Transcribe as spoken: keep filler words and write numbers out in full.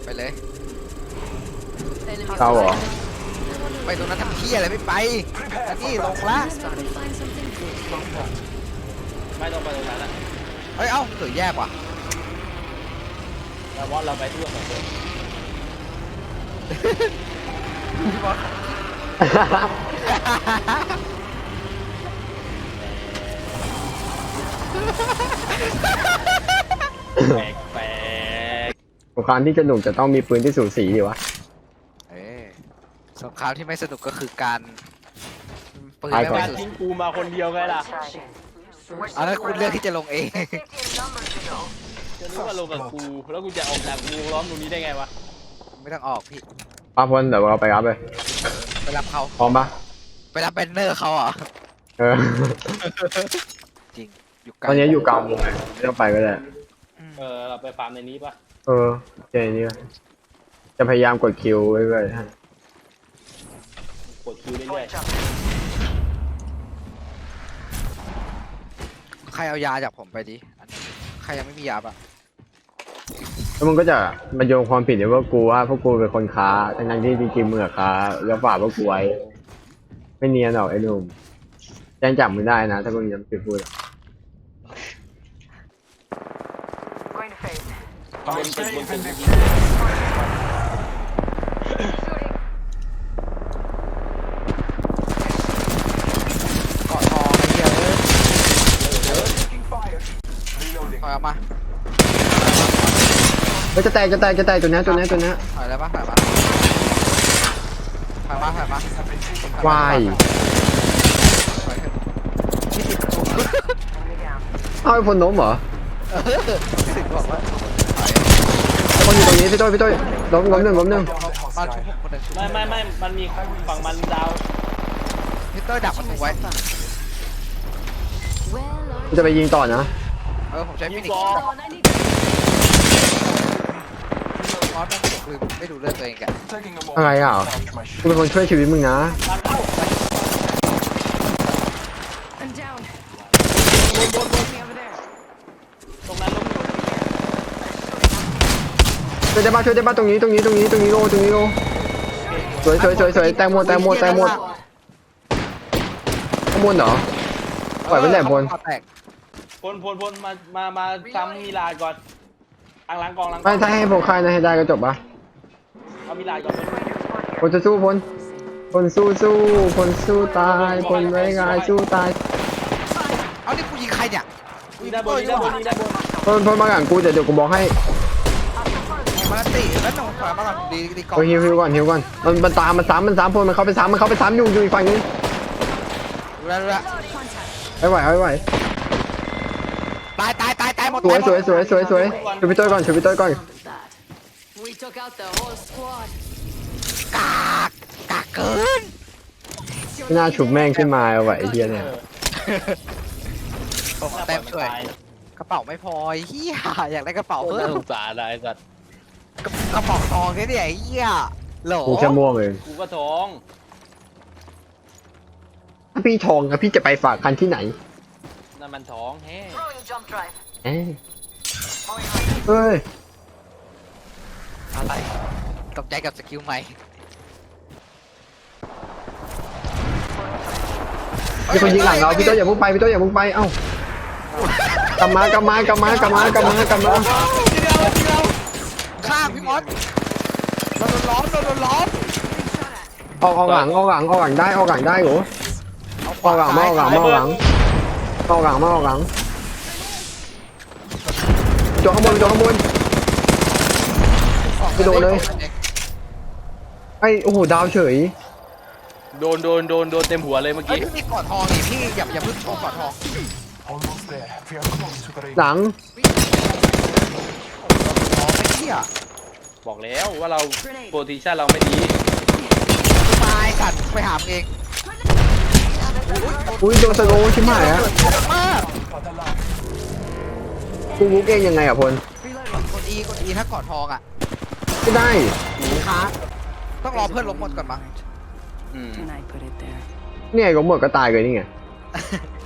ไปเลยเราเหรอไปตรงนั้นทำเที่ยอะไรไม่ไปอันนี้ลงละไม่ต้องไปตรงนั้นนะเฮ้ยเอ้าเสือแยกว่ะเราว่าเราไปทั่วสองคน แปลกแปลกสงครามที่สนุกจะต้องมีปืนที่สูสีดีวะเอ้ยสงครามที่ไม่สนุกก็คือการปืนไปไม่ก่อนไม่การสุดทิ้งกูมาคนเดียวไงล่ะอันนั้นคุณเลือกที่จะลงเองจะนึกว่าลงกับกูแล้วกูจะออกจากวงล้อมตรงนี้ได้ไงวะไม่ต้องออกพี่ป้าพลเดี๋ยวเราไปรับเลยไปรับเขาพร้อมปะไปรับแบนเนอร์เขาเหรอเออจริงอยู่ไกลตอนนี้อยู่กลางวงเลยไม่ต้องไปก็ได้อืมเออเราไปฟาร์มในนี้ปะเออเจนี่ก็จะพยายามกดคิวไว้เลยฮะกดคิวเรื่อยใครเอายาจากผมไปดิอันนี้ใครยังไม่มียาปะแล้วมันก็จะมาโยงความผิดในว่ากูว่าพวกกูเป็นคนค้าทั้งๆที่จริงๆมึงอะค้าแล้วฝากพวกกูไว้ไม่เนียนหรอกไอ้หนุ่มแจ้งจับมึงได้นะถ้ามึงยังไปพูดอะๆบนตึกบนตึกยิงเกาะทองไอ้เหี้ยเอ้ยถอยออกมาเฮ้ยจะแตกจะแตกจะแตกตัวเนี้ยตัวเนี้ยตัวเนี้ยถอยแล้วปะถอยมาถอยมาถอยมาถอยมวายถอยเถอะที่ติดประตูเอาไอ้พลล้มเหรอเออถึงบอกว่าถอยไอ้คนอยู่ตรงนี้พี่ต้อยพี่ต้อยล้มล้มหนึ่งล้มหนึ่งมาชุบผมคนหนึ่งชุบไม่ไม่ไม่มันมีฝั่งมันดาวพี่เต้ยดักประตูไว้กูจะไปยิงต่อนะเออผมใช้ยิฟิงนิกกอซ์มอสแม่งลืมไม่ดูเลือดตัวเองแกอะไรอ่ะกูเป็นคนช่วยชีวิตมึงนะทางเข้า I'm down. บนบนบน Me over there. ตรงนั้นล้มอยู่ช่วยได้บ้างช่วยได้บ้างตรงนี้ตรงนี้ตรงนี้ตรงนี้โลตรงนี้โลสวยสวยสวยสวยแตงโมแตงโมแตงโมข้างบนเหรอปล่อยไว้แหละบนแตกพลพลพลมามามาซ้ำมีลาดก่อนอังหลังกองหลังกไม่องถ้าให้ผมคายนะให้ได้ก็จบปะเอามีลาดก่อนพลจะสู้พลพลสู้สู้พลสู้ตายพลไว้งายสู้ตายเอานี่กูยิงใครเนี่ยกูมียิงด้านบเต้นยมีด้ด้านบวนมีด้านบนพลพลมาหลังกูเดี๋ยวเดี๋ยวกูบอกให้มาตีแล้วหนูถอยมาก่อนดีดีก่อนเฮ้ยฮิวฮิวก่อนฮิวก่อนมันมันตามมันซ้ำมันซ้ำพลมันเข้าไปซ้ำมันเข้าไปซ้ำอยู่อยู่อีกฝั่งนึงดูแลดูแลไม่ไหวไม่ไหวตายตายตายตายหมดสวยสวยสวยสวยสวยช่วยพี่ต้อยก่อนช่วยพี่ต้อยก่อน We took out the whole squad. กากกากเกินไม่น่าฉุบแม่งขึ้นมาเอาไว้ไอ้เหี้ยเนี่ยผมเต็มเลยกระเป๋าไม่พอเฮียอยากได้กระเป๋าโอ้เพิ่น่าม สงสารนะไอ้สัตว์กระเป๋าทองแค่เนี่ยเฮียโหลกูแค่ม่วงเองกูก็ท้องถ้าพี่ทองอะพี่จะไปฝากคันที่ไหนนั่นมันท้องแฮ่ Jump drive. เอ้ยเอ้ยอะไรตกใจกับสกิลใหม่มีคนยิงหลังเราพี่ต้อยอย่าพุ่งไปพี่ต้อยอย่าพุ่งไปเอ้ากลับมากลับมากลับมากลับมากลับมากลับมาทีเดียวทีเดียวข้างพี่มอสเราโดนล้อมเราโดนล้อมออกออกหลังออกหลังออกหลังได้ออกหลังได้เหรอออกหลังมาออกหลังมาออกหลังออกหลังมาออกหลังจอข้างบนจอข้างบน ไม่โดนเลย ไอ้โอ้โหดาวเฉยโดนโดนโดนโดนเต็มหัวเลยเมื่อเฮ้ยกี้พี่มีกอดทองนี่พี่อย่าอย่าเพิ่งโชว์กอดทอง Almost there. We are close to the ring. หลังทองไม่เที่ยบอกแล้วว่าเราโพซิชันเราไม่ดีตายสัตว์ไปหามงเองอุ้ยโดนสโลว์ชิบหายอะมาก For the love. กูวุกเองยังไงอะพลกด E กด E ถ้ากอดทองอ่ะไม่ได้ค้างต้องรอเพื่อนลงหมดก่อนมั้งอืม And I put it there. เนี่ยก็หมดก็ตายเลยนี่ไง